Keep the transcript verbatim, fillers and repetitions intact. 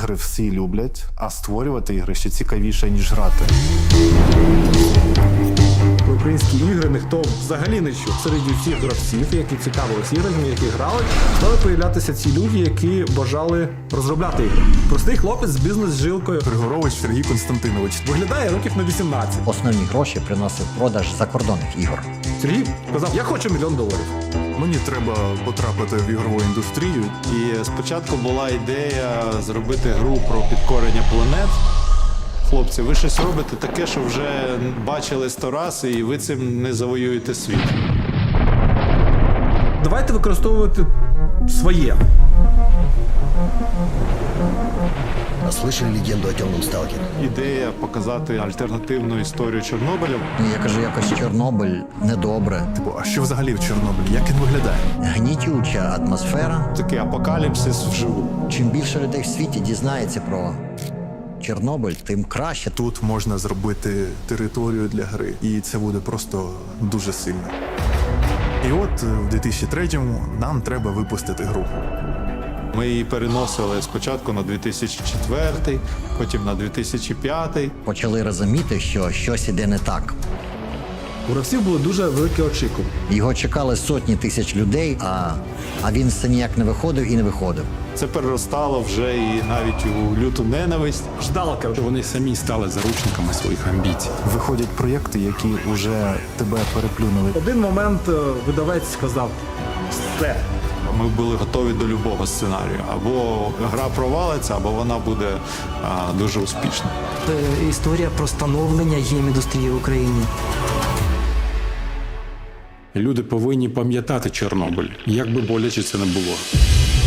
Ігри всі люблять, а створювати ігри ще цікавіше, ніж грати. Про українські ігри ніхто взагалі не чув. Серед усіх гравців, які цікавилися іграми, які грали, стали появлятися ці люди, які бажали розробляти ігри. Простий хлопець з бізнес-жилкою. Григорович Сергій Константинович. Виглядає років на вісімнадцять. Основні гроші приносив продаж закордонних ігор. Сергій сказав, я хочу мільйон доларів. Мені треба потрапити в ігрову індустрію. І спочатку була ідея зробити гру про підкорення планет. Хлопці, ви щось робите таке, що вже бачили сто раз, і ви цим не завоюєте світ. Давайте використовувати своє. Слышали легенду о темном сталкере? Ідея показати альтернативну історію Чорнобиля. Ну, я кажу, якось Чорнобиль недобре. Типу, а що взагалі в Чорнобилі? Як він виглядає? Гнітюча атмосфера. Такий апокаліпсис вживу. Чим більше людей в світі дізнається про Чорнобиль, тим краще. Тут можна зробити територію для гри, і це буде просто дуже сильно. І от в дві тисячі третьому нам треба випустити гру. Ми її переносили спочатку на дві тисячі четвертий, потім на дві тисячі п'ятий. Почали розуміти, що щось іде не так. У гравців були дуже великі очікування. Його чекали сотні тисяч людей, а, а він все ніяк не виходив і не виходив. Це переростало вже і навіть у люту ненависть. Ждалка. Вони самі стали заручниками своїх амбіцій. Виходять проєкти, які вже тебе переплюнули. Один момент е, видавець сказав все. Ми були готові до любого сценарію. Або гра провалиться, або вона буде а, дуже успішна. Це історія про становлення гейм-індустрії в Україні. Люди повинні пам'ятати Чорнобиль, як би боляче це не було.